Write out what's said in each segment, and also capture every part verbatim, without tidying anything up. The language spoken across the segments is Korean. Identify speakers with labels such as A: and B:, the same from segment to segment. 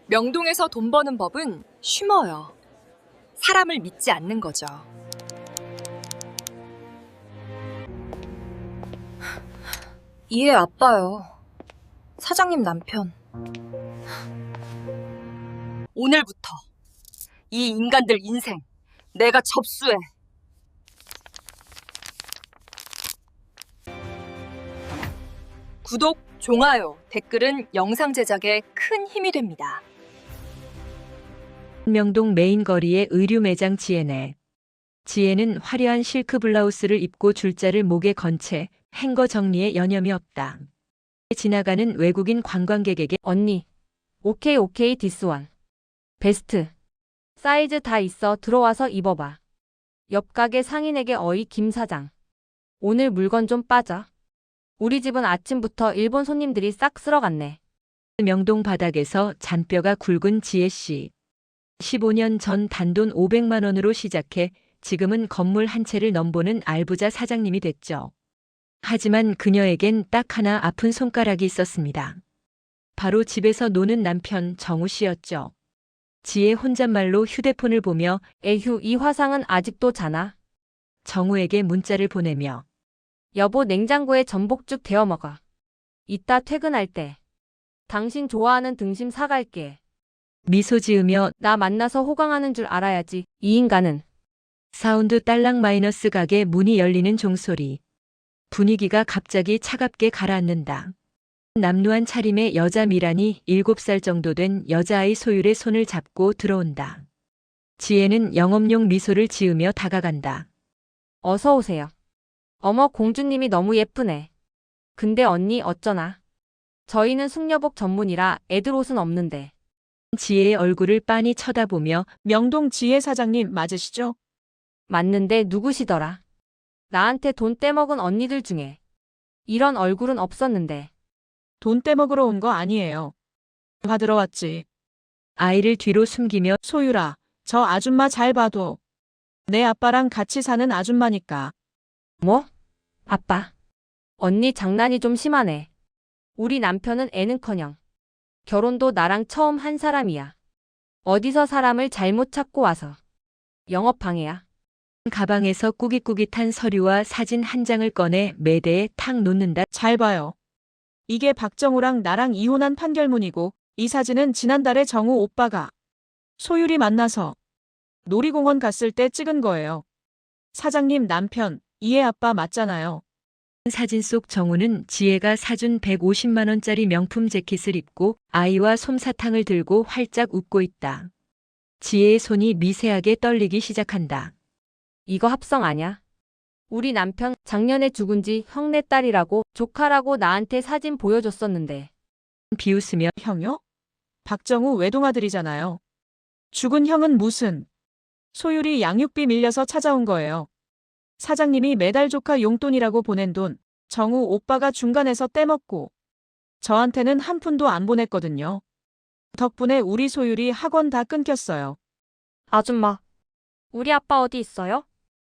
A: 명동에서 돈 버는 법은 쉬워요. 사람을 믿지 않는 거죠.
B: 이해 아빠요. 사장님 남편.
A: 오늘부터 이 인간들 인생 내가 접수해. 구독, 좋아요, 댓글은 영상 제작에 큰 힘이 됩니다.
C: 명동 메인 거리의 의류 매장 지혜네. 지혜는 화려한 실크 블라우스를 입고 줄자를 목에 건 채 행거 정리에 여념이 없다. 지나가는 외국인 관광객에게
D: 언니, 오케이 오케이 디스원. 베스트. 사이즈 다 있어 들어와서 입어봐. 옆 가게 상인에게 어이 김 사장. 오늘 물건 좀 빠져. 우리 집은 아침부터 일본 손님들이 싹 쓸어갔네.
C: 명동 바닥에서 잔뼈가 굵은 지혜 씨. 십오 년 전 단돈 오백만 원으로 시작해 지금은 건물 한 채를 넘보는 알부자 사장님이 됐죠. 하지만 그녀에겐 딱 하나 아픈 손가락이 있었습니다. 바로 집에서 노는 남편 정우 씨였죠. 지혜 혼잣말로 휴대폰을 보며
D: 에휴, 이 화상은 아직도 자나?
C: 정우에게 문자를 보내며
D: 여보, 냉장고에 전복죽 데워 먹어. 이따 퇴근할 때 당신 좋아하는 등심 사갈게.
C: 미소 지으며
D: 나 만나서 호강하는 줄 알아야지. 이 인간은.
C: 사운드 딸랑 마이너스 가게 문이 열리는 종소리. 분위기가 갑자기 차갑게 가라앉는다. 남루한 차림의 여자 미란이 일곱 살 정도 된 여자아이 소율의 손을 잡고 들어온다. 지혜는 영업용 미소를 지으며 다가간다.
D: 어서 오세요. 어머, 공주님이 너무 예쁘네. 근데 언니 어쩌나? 저희는 숙녀복 전문이라 애들 옷은 없는데.
C: 지혜의 얼굴을 빤히 쳐다보며
E: 명동 지혜 사장님 맞으시죠?
D: 맞는데 누구시더라? 나한테 돈 떼먹은 언니들 중에 이런 얼굴은 없었는데.
E: 돈 떼먹으러 온 거 아니에요. 받으러 왔지.
C: 아이를 뒤로 숨기며
E: 소율아, 저 아줌마 잘 봐도. 내 아빠랑 같이 사는 아줌마니까.
D: 뭐? 아빠. 언니 장난이 좀 심하네. 우리 남편은 애는커녕 결혼도 나랑 처음 한 사람이야. 어디서 사람을 잘못 찾고 와서 영업방해야.
C: 가방에서 꾸깃꾸깃한 서류와 사진 한 장을 꺼내 매대에 탁 놓는다.
E: 잘 봐요. 이게 박정우랑 나랑 이혼한 판결문이고 이 사진은 지난달에 정우 오빠가 소율이 만나서 놀이공원 갔을 때 찍은 거예요. 사장님 남편, 이해 아빠 맞잖아요.
C: 사진 속 정우는 지혜가 사준 백오십만 원짜리 명품 재킷을 입고 아이와 솜사탕을 들고 활짝 웃고 있다. 지혜의 손이 미세하게 떨리기 시작한다.
D: 이거 합성 아냐? 우리 남편 작년에 죽은 지 형네 딸이라고 조카라고 나한테 사진 보여줬었는데.
C: 비웃으며
E: 형요? 박정우 외동아들이잖아요. 죽은 형은 무슨. 소율이 양육비 밀려서 찾아온 거예요. 사장님이 매달 조카 용돈이라고 보낸 돈, 정우 오빠가 중간에서 떼먹고 저한테는 한 푼도 안 보냈거든요. 덕분에 우리 소율이 학원 다 끊겼어요.
F: 아줌마, 우리 아빠 어디 있어요?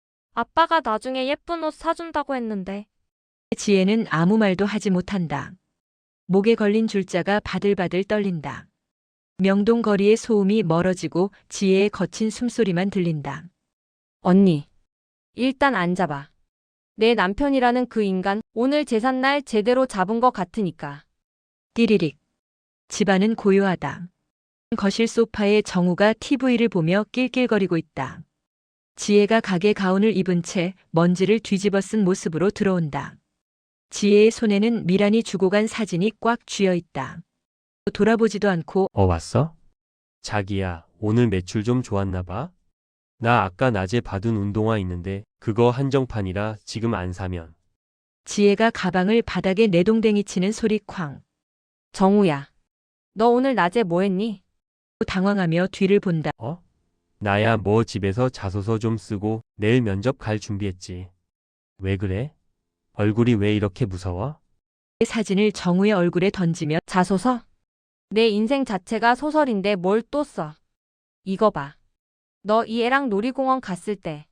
F: 아빠가 나중에 예쁜 옷 사준다고 했는데.
C: 지혜는 아무 말도 하지 못한다. 목에 걸린 줄자가 바들바들 떨린다. 명동 거리의 소음이 멀어지고 지혜의 거친 숨소리만 들린다.
D: 언니, 일단 앉아봐. 내 남편이라는 그 인간 오늘 제삿날 제대로 잡은 것 같으니까.
C: 띠리릭. 집안은 고요하다. 거실 소파에 정우가 티비를 보며 낄낄거리고 있다. 지혜가 가게 가운을 입은 채 먼지를 뒤집어 쓴 모습으로 들어온다. 지혜의 손에는 미란이 주고 간 사진이 꽉 쥐어 있다. 돌아보지도 않고
G: 어, 왔어? 자기야, 오늘 매출 좀 좋았나 봐? 나 아까 낮에 받은 운동화 있는데 그거 한정판이라 지금 안 사면.
C: 지혜가 가방을 바닥에 내동댕이 치는 소리 쾅.
D: 정우야, 너 오늘 낮에 뭐 했니?
C: 당황하며 뒤를 본다.
G: 어? 나야 뭐 집에서 자소서 좀 쓰고 내일 면접 갈 준비했지. 왜 그래? 얼굴이 왜 이렇게 무서워?
C: 사진을 정우의 얼굴에 던지며
D: 자소서? 내 인생 자체가 소설인데 뭘 또 써. 이거 봐. 너 이 애랑 놀이공원 갔을 때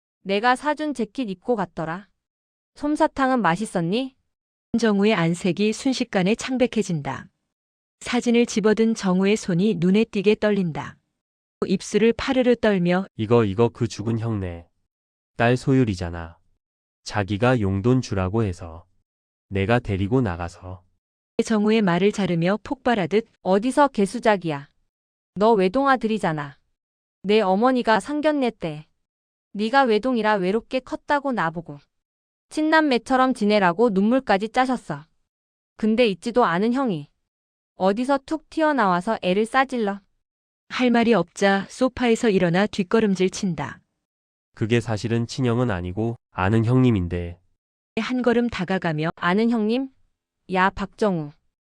D: 내가 사준 재킷 입고 갔더라. 솜사탕은 맛있었니?
C: 정우의 안색이 순식간에 창백해진다. 사진을 집어든 정우의 손이 눈에 띄게 떨린다. 입술을 파르르 떨며
G: 이거 이거 그 죽은 형네. 딸 소율이잖아. 자기가 용돈 주라고 해서 내가 데리고 나가서.
C: 정우의 말을 자르며 폭발하듯
D: 어디서 개수작이야. 너 외동아들이잖아. 내 어머니가 상견례 때 네가 외동이라 외롭게 컸다고 나보고 친남매처럼 지내라고 눈물까지 짜셨어. 근데 있지도 않은 형이 어디서 툭 튀어나와서 애를 싸질러.
C: 할 말이 없자 소파에서 일어나 뒷걸음질 친다.
G: 그게 사실은 친형은 아니고 아는 형님인데.
C: 한 걸음 다가가며
D: 아는 형님? 야, 박정우.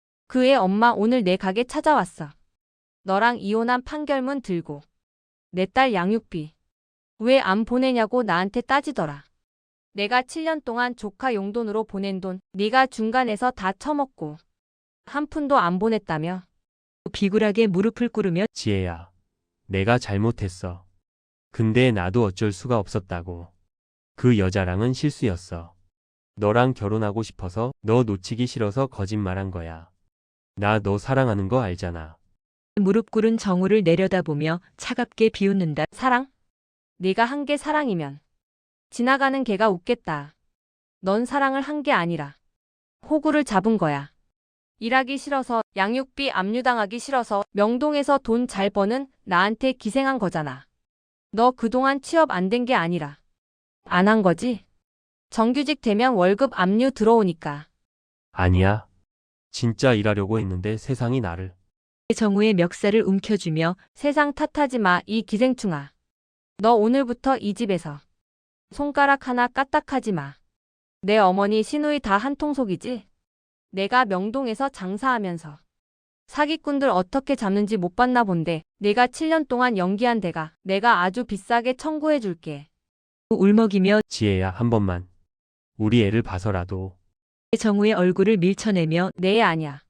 D: 그 애 엄마 오늘 내 가게 찾아왔어. 너랑 이혼한 판결문 들고 내 딸 양육비 왜 안 보내냐고 나한테 따지더라. 내가 칠 년 동안 조카 용돈으로 보낸 돈 네가 중간에서 다 처먹고 한 푼도 안 보냈다며.
C: 비굴하게 무릎을 꿇으며
G: 지혜야, 내가 잘못했어. 근데 나도 어쩔 수가 없었다고. 그 여자랑은 실수였어. 너랑 결혼하고 싶어서 너 놓치기 싫어서 거짓말한 거야. 나 너 사랑하는 거 알잖아.
C: 무릎 꿇은 정우를 내려다보며 차갑게 비웃는다.
D: 사랑? 네가 한 게 사랑이면 지나가는 개가 웃겠다. 넌 사랑을 한 게 아니라 호구를 잡은 거야. 일하기 싫어서 양육비 압류당하기 싫어서 명동에서 돈 잘 버는 나한테 기생한 거잖아. 너 그동안 취업 안 된 게 아니라 안 한 거지? 정규직 되면 월급 압류 들어오니까.
G: 아니야. 진짜 일하려고 했는데 세상이 나를.
C: 정우의 멱살을 움켜쥐며
D: 세상 탓하지 마, 이 기생충아. 너 오늘부터 이 집에서 손가락 하나 까딱하지 마. 내 어머니 시누이 다 한통속이지? 내가 명동에서 장사하면서 사기꾼들 어떻게 잡는지 못 봤나 본데 내가 칠 년 동안 연기한 데가 내가 아주 비싸게 청구해 줄게.
C: 울먹이며
G: 지혜야, 한 번만. 우리 애를 봐서라도.
C: 정우의 얼굴을 밀쳐내며
D: 내 애 아니야.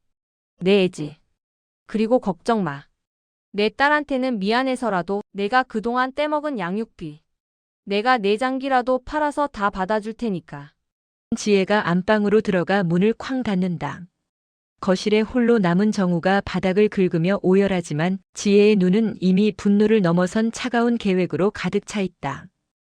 D: 내 애지. 그리고 걱정 마. 내 딸한테는 미안해서라도 내가 그동안 떼먹은 양육비 내가 내장기라도 팔아서 다 받아줄 테니까.
C: 지혜가 안방으로 들어가 문을 쾅 닫는다. 거실에 홀로 남은 정우가 바닥을 긁으며 오열하지만 지혜의 눈은 이미 분노를 넘어선 차가운 계획으로 가득 차 있다.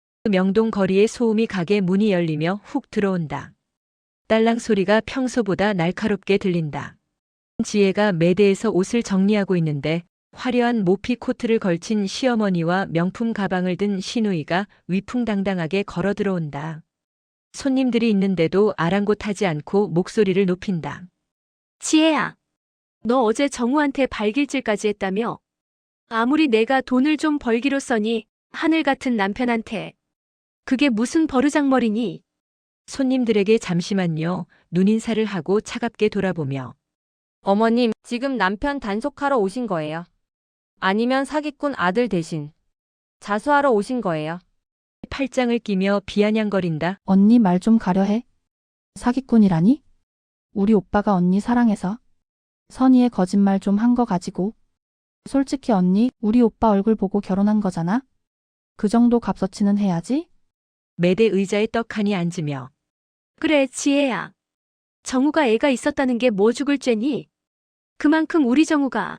C: 명동 거리의 소음이 가게 문이 열리며 훅 들어온다. 딸랑 소리가 평소보다 날카롭게 들린다. 지혜가 매대에서 옷을 정리하고 있는데 화려한 모피 코트를 걸친 시어머니와 명품 가방을 든 시누이가 위풍당당하게 걸어 들어온다. 손님들이 있는데도 아랑곳하지 않고 목소리를 높인다.
H: 지혜야, 너 어제 정우한테 발길질까지 했다며? 아무리 내가 돈을 좀 벌기로 써니 하늘 같은 남편한테. 그게 무슨 버르장머리니?
C: 손님들에게 잠시만요. 눈인사를 하고 차갑게 돌아보며
D: 어머님, 지금 남편 단속하러 오신 거예요? 아니면 사기꾼 아들 대신 자수하러 오신 거예요?
C: 팔짱을 끼며 비아냥거린다.
I: 언니 말 좀 가려해. 사기꾼이라니? 우리 오빠가 언니 사랑해서 선의의 거짓말 좀 한 거 가지고. 솔직히 언니, 우리 오빠 얼굴 보고 결혼한 거잖아? 그 정도 값어치는 해야지?
C: 매대 의자에 떡하니 앉으며
H: 그래, 지혜야. 정우가 애가 있었다는 게 뭐 죽을 죄니? 그만큼 우리 정우가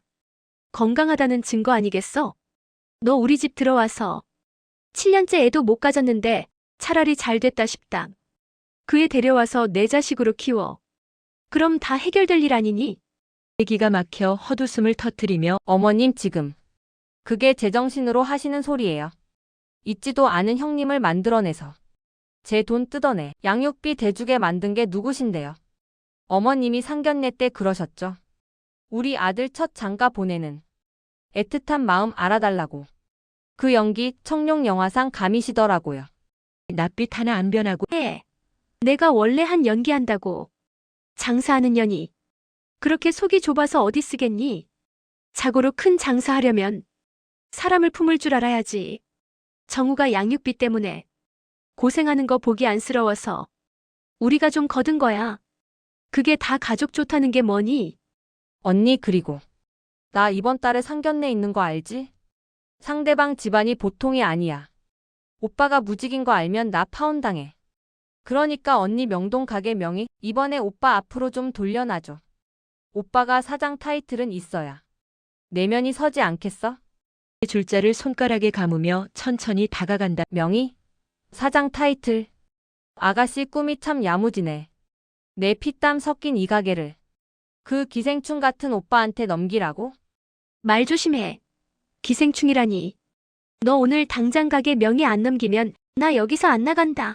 H: 건강하다는 증거 아니겠어? 너 우리 집 들어와서 칠 년째 애도 못 가졌는데 차라리 잘 됐다 싶다. 그 애 데려와서 내 자식으로 키워. 그럼 다 해결될 일 아니니?
C: 기가 막혀 헛웃음을 터뜨리며
D: 어머님, 지금 그게 제정신으로 하시는 소리예요. 있지도 않은 형님을 만들어내서 제 돈 뜯어내 양육비 대주게 만든 게 누구신데요? 어머님이 상견례 때 그러셨죠. 우리 아들 첫 장가 보내는 애틋한 마음 알아달라고. 그 연기 청룡 영화상 감이시더라고요.
C: 낯빛 하나 안 변하고
H: 해. 내가 원래 한 연기한다고. 장사하는 년이. 그렇게 속이 좁아서 어디 쓰겠니? 자고로 큰 장사하려면 사람을 품을 줄 알아야지. 정우가 양육비 때문에 고생하는 거 보기 안쓰러워서 우리가 좀 거둔 거야. 그게 다 가족 좋다는 게 뭐니?
D: 언니, 그리고 나 이번 달에 상견례 있는 거 알지? 상대방 집안이 보통이 아니야. 오빠가 무직인 거 알면 나 파혼당해. 그러니까 언니 명동 가게 명의 이번에 오빠 앞으로 좀 돌려놔줘. 오빠가 사장 타이틀은 있어야 내면이 서지 않겠어?
C: 줄자를 손가락에 감으며 천천히 다가간다.
D: 명의? 사장 타이틀. 아가씨 꿈이 참 야무지네. 내 피땀 섞인 이 가게를 그 기생충 같은 오빠한테 넘기라고?
H: 말 조심해. 기생충이라니. 너 오늘 당장 가게 명의 안 넘기면 나 여기서 안 나간다.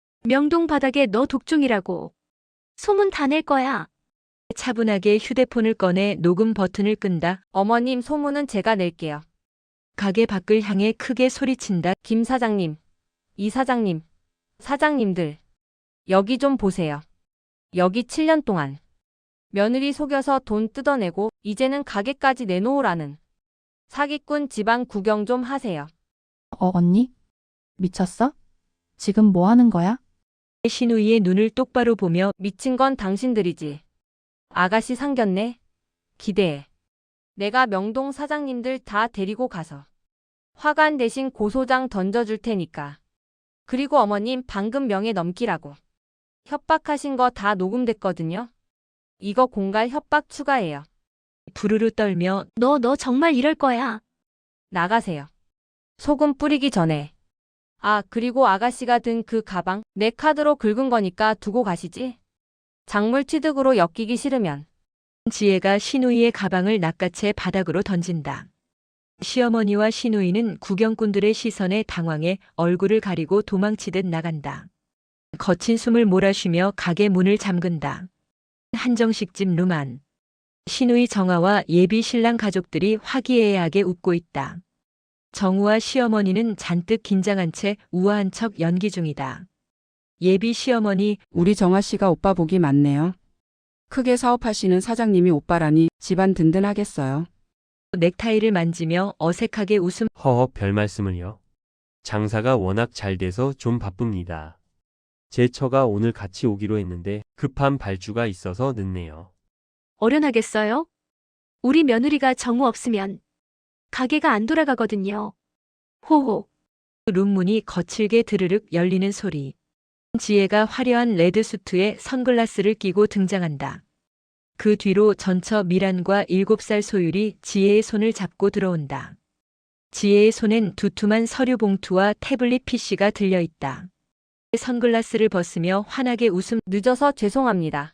H: 명동 바닥에 너 독종이라고. 소문 다 낼 거야.
C: 차분하게 휴대폰을 꺼내 녹음 버튼을 끈다.
D: 어머님 소문은 제가 낼게요.
C: 가게 밖을 향해 크게 소리친다.
D: 김 사장님, 이 사장님, 사장님들. 여기 좀 보세요. 여기 칠 년 동안 며느리 속여서 돈 뜯어내고 이제는 가게까지 내놓으라는 사기꾼 집안 구경 좀 하세요.
I: 어, 언니? 미쳤어? 지금 뭐 하는 거야?
C: 신우이의 눈을 똑바로 보며
D: 미친 건 당신들이지. 아가씨 상견례? 기대해. 내가 명동 사장님들 다 데리고 가서 화관 대신 고소장 던져줄 테니까. 그리고 어머님 방금 명예 넘기라고 협박하신 거 다 녹음됐거든요. 이거 공갈 협박 추가해요.
C: 부르르 떨며
H: 너, 너 정말 이럴 거야.
D: 나가세요. 소금 뿌리기 전에. 아, 그리고 아가씨가 든 그 가방 내 카드로 긁은 거니까 두고 가시지. 작물 취득으로 엮이기 싫으면.
C: 지혜가 신우이의 가방을 낚아채 바닥으로 던진다. 시어머니와 신우이는 구경꾼들의 시선에 당황해 얼굴을 가리고 도망치듯 나간다. 거친 숨을 몰아쉬며 가게 문을 잠근다. 한정식집 루만. 신우이 정아와 예비 신랑 가족들이 화기애애하게 웃고 있다. 정우와 시어머니는 잔뜩 긴장한 채 우아한 척 연기 중이다. 예비 시어머니,
J: 우리 정아 씨가 오빠 복이 많네요. 크게 사업하시는 사장님이 오빠라니 집안 든든하겠어요.
C: 넥타이를 만지며 어색하게 웃음.
G: 허허 별 말씀을요. 장사가 워낙 잘 돼서 좀 바쁩니다. 제 처가 오늘 같이 오기로 했는데 급한 발주가 있어서 늦네요.
H: 어련하겠어요? 우리 며느리가 정우 없으면 가게가 안 돌아가거든요. 호호.
C: 룸문이 거칠게 드르륵 열리는 소리. 지혜가 화려한 레드 수트에 선글라스를 끼고 등장한다. 그 뒤로 전처 미란과 일곱 살 소율이 지혜의 손을 잡고 들어온다. 지혜의 손엔 두툼한 서류 봉투와 태블릿 피씨가 들려있다. 선글라스를 벗으며 환하게 웃음.
D: 늦어서 죄송합니다.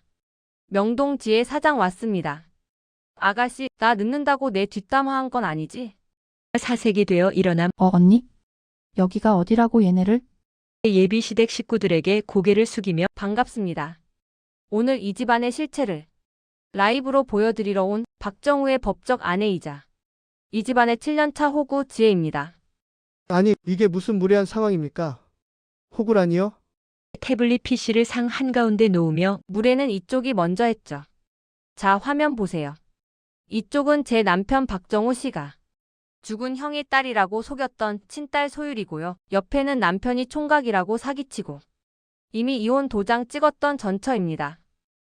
D: 명동 지혜 사장 왔습니다. 아가씨, 나 늦는다고 내 뒷담 화한 건 아니지?
C: 사색이 되어 일어남.
I: 어, 언니? 여기가 어디라고 얘네를?
C: 예비 시댁 식구들에게 고개를 숙이며
D: 반갑습니다. 오늘 이 집안의 실체를 라이브로 보여드리러 온 박정우의 법적 아내이자 이 집안의 칠 년 차 호구 지혜입니다.
K: 아니, 이게 무슨 무례한 상황입니까? 호구라니요?
C: 태블릿 피씨를 상 한가운데 놓으며
D: 무례는 이쪽이 먼저 했죠. 자, 화면 보세요. 이쪽은 제 남편 박정우 씨가 죽은 형의 딸이라고 속였던 친딸 소율이고요. 옆에는 남편이 총각이라고 사기치고 이미 이혼 도장 찍었던 전처입니다.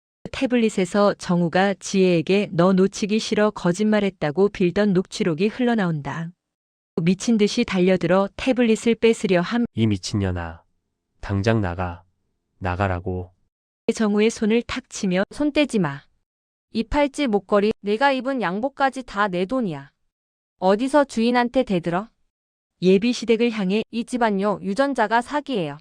C: 태블릿에서 정우가 지혜에게 너 놓치기 싫어 거짓말했다고 빌던 녹취록이 흘러나온다. 미친 듯이 달려들어 태블릿을 뺏으려 함.
G: 이 미친년아. 당장 나가. 나가라고.
C: 정우의 손을 탁 치며
D: 손 떼지 마. 이 팔찌 목걸이 내가 입은 양복까지 다 내 돈이야. 어디서 주인한테 대들어?
C: 예비 시댁을 향해
D: 이 집안요 유전자가 사기예요.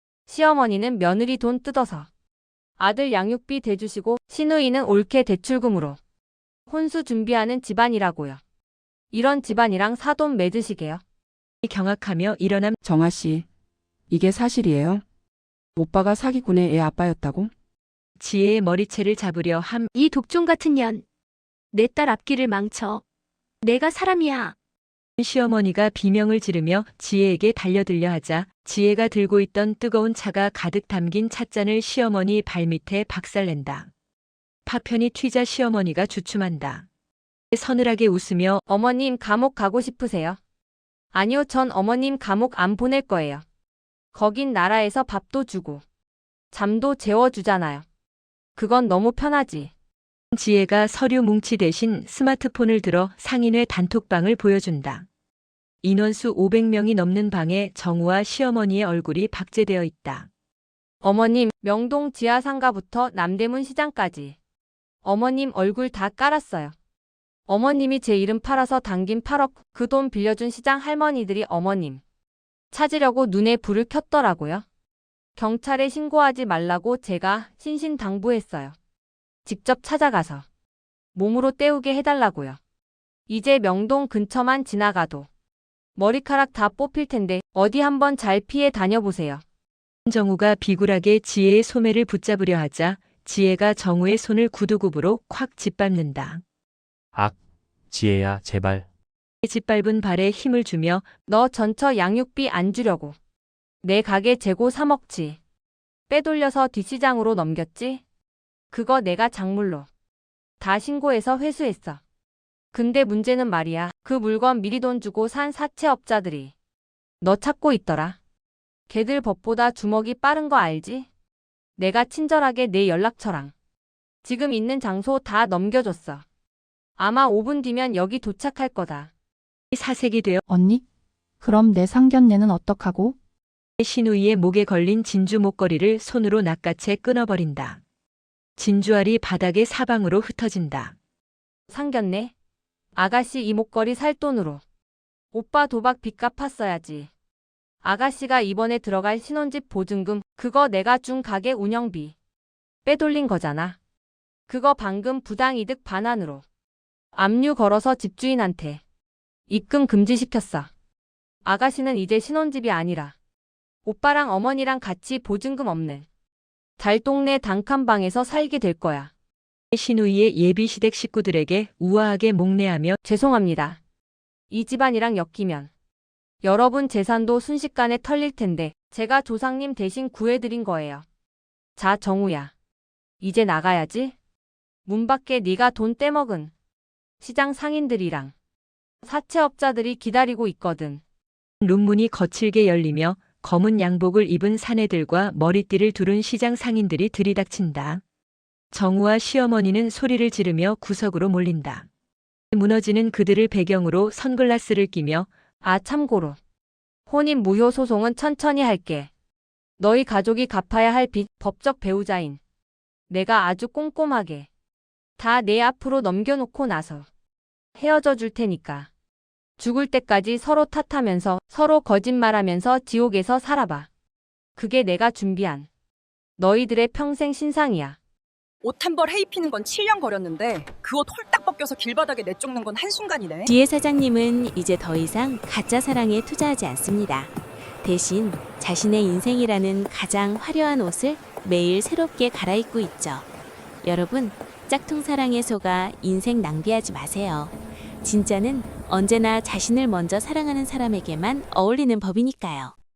D: 시어머니는 며느리 돈 뜯어서 아들 양육비 대주시고 시누이는 올케 대출금으로 혼수 준비하는 집안이라고요. 이런 집안이랑 사돈 맺으시게요.
C: 경악하며 일어남.
J: 정아 씨, 이게 사실이에요? 오빠가 사기꾼의 애 아빠였다고?
C: 지혜의 머리채를 잡으려 함.
H: 이 독종 같은 년. 내 딸 앞길을 망쳐. 내가 사람이야.
C: 시어머니가 비명을 지르며 지혜에게 달려들려 하자 지혜가 들고 있던 뜨거운 차가 가득 담긴 찻잔을 시어머니 발밑에 박살낸다. 파편이 튀자 시어머니가 주춤한다. 서늘하게 웃으며
D: 어머님 감옥 가고 싶으세요? 아니요, 전 어머님 감옥 안 보낼 거예요. 거긴 나라에서 밥도 주고 잠도 재워주잖아요. 그건 너무 편하지.
C: 지혜가 서류 뭉치 대신 스마트폰을 들어 상인회 단톡방을 보여준다. 인원수 오백 명이 넘는 방에 정우와 시어머니의 얼굴이 박제되어 있다.
D: 어머님, 명동 지하상가부터 남대문 시장까지 어머님 얼굴 다 깔았어요. 어머님이 제 이름 팔아서 당긴 팔억 그 돈 빌려준 시장 할머니들이 어머님 찾으려고 눈에 불을 켰더라고요. 경찰에 신고하지 말라고 제가 신신당부했어요. 직접 찾아가서 몸으로 때우게 해달라고요. 이제 명동 근처만 지나가도 머리카락 다 뽑힐 텐데 어디 한번 잘 피해 다녀보세요.
C: 정우가 비굴하게 지혜의 소매를 붙잡으려 하자 지혜가 정우의 손을 구두굽으로 콱 짓밟는다.
G: 악, 지혜야, 제발.
C: 짓밟은 발에 힘을 주며
D: 너 전처 양육비 안 주려고 내 가게 재고 삼억치 빼돌려서 뒷시장으로 넘겼지? 그거 내가 작물로 다 신고해서 회수했어. 근데 문제는 말이야. 그 물건 미리 돈 주고 산 사채업자들이 너 찾고 있더라. 걔들 법보다 주먹이 빠른 거 알지? 내가 친절하게 내 연락처랑 지금 있는 장소 다 넘겨줬어. 아마 오 분 뒤면 여기 도착할 거다.
C: 사색이 되어
I: 언니? 그럼 내 상견례는 어떡하고?
C: 신우이의 목에 걸린 진주 목걸이를 손으로 낚아채 끊어버린다. 진주알이 바닥에 사방으로 흩어진다.
D: 상견례? 아가씨 이 목걸이 살 돈으로 오빠 도박 빚 갚았어야지. 아가씨가 이번에 들어갈 신혼집 보증금 그거 내가 준 가게 운영비 빼돌린 거잖아. 그거 방금 부당이득 반환으로 압류 걸어서 집주인한테 입금 금지시켰어. 아가씨는 이제 신혼집이 아니라 오빠랑 어머니랑 같이 보증금 없는 달동네 단칸방에서 살게 될 거야.
C: 신우이의 예비 시댁 식구들에게 우아하게 목례하며
D: 죄송합니다. 이 집안이랑 엮이면 여러분 재산도 순식간에 털릴 텐데 제가 조상님 대신 구해드린 거예요. 자, 정우야. 이제 나가야지. 문 밖에 네가 돈 떼먹은 시장 상인들이랑 사채업자들이 기다리고 있거든.
C: 룸문이 거칠게 열리며 검은 양복을 입은 사내들과 머리띠를 두른 시장 상인들이 들이닥친다. 정우와 시어머니는 소리를 지르며 구석으로 몰린다. 무너지는 그들을 배경으로 선글라스를 끼며
D: 아, 참고로 혼인 무효 소송은 천천히 할게. 너희 가족이 갚아야 할 빚 법적 배우자인 내가 아주 꼼꼼하게 다 내 앞으로 넘겨놓고 나서 헤어져 줄 테니까 죽을 때까지 서로 탓하면서 서로 거짓말하면서 지옥에서 살아봐. 그게 내가 준비한 너희들의 평생 신상이야.
A: 옷 한 벌 헤이 피는 건 칠 년 걸렸는데 그 옷 홀딱 벗겨서 길바닥에 내쫓는 건 한순간이네.
L: 지혜 사장님은 이제 더 이상 가짜 사랑에 투자하지 않습니다. 대신 자신의 인생이라는 가장 화려한 옷을 매일 새롭게 갈아입고 있죠. 여러분, 짝퉁 사랑에 속아 인생 낭비하지 마세요. 진짜는 언제나 자신을 먼저 사랑하는 사람에게만 어울리는 법이니까요.